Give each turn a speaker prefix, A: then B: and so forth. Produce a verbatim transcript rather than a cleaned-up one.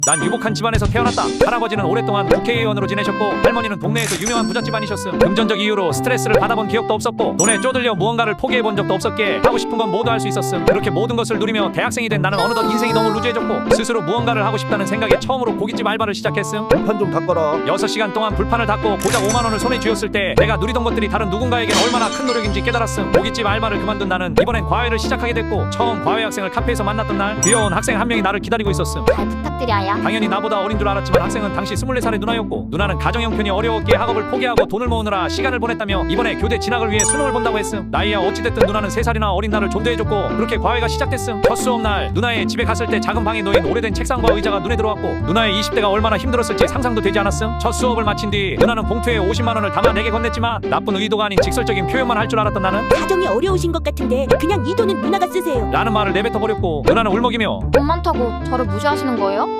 A: 난 유복한 집안에서 태어났다. 할아버지는 오랫동안 국회의원으로 지내셨고 할머니는 동네에서 유명한 부잣집안이셨음. 금전적 이유로 스트레스를 받아본 기억도 없었고 돈에 쪼들려 무언가를 포기해본 적도 없었기에 하고 싶은 건 모두 할 수 있었음. 그렇게 모든 것을 누리며 대학생이 된 나는 어느덧 인생이 너무 루즈해졌고 스스로 무언가를 하고 싶다는 생각에 처음으로 고깃집 알바를 시작했음.
B: 불판 좀 닦아라.
A: 여섯 시간 동안 불판을 닦고 고작 오만 원을 손에 쥐었을 때 내가 누리던 것들이 다른 누군가에겐 얼마나 큰 노력인지 깨달았음. 고깃집 알바를 그만둔 나는 이번엔 과외를 시작하게 됐고 처음 과외 학생을 카페에서 만났던 날 귀여운 학생 한 명이 나를 기다리고 있었음.
C: 잘 부탁드려요.
A: 당연히 나보다 어린 줄 알았지만 학생은 당시 스물네 살의 누나였고 누나는 가정 형편이 어려웠기에 학업을 포기하고 돈을 모으느라 시간을 보냈다며 이번에 교대 진학을 위해 수능을 본다고 했음. 나이야 어찌됐든 누나는 세 살이나 어린 나를 존대해줬고 그렇게 과외가 시작됐음. 첫 수업날 누나의 집에 갔을 때 작은 방에 놓인 오래된 책상과 의자가 눈에 들어왔고 누나의 이십 대가 얼마나 힘들었을지 상상도 되지 않았음. 첫 수업을 마친 뒤 누나는 봉투에 오십만 원을 담아 내게 건넸지만 나쁜 의도가 아닌 직설적인 표현만 할 줄 알았던 나는
D: 사정이 어려우신 것 같은데 그냥 이 돈은 누나가 쓰세요.
A: 라는 말을 내뱉어버렸고 누나는 울먹이며
C: 돈 많다고 저를 무시하시는 거예요?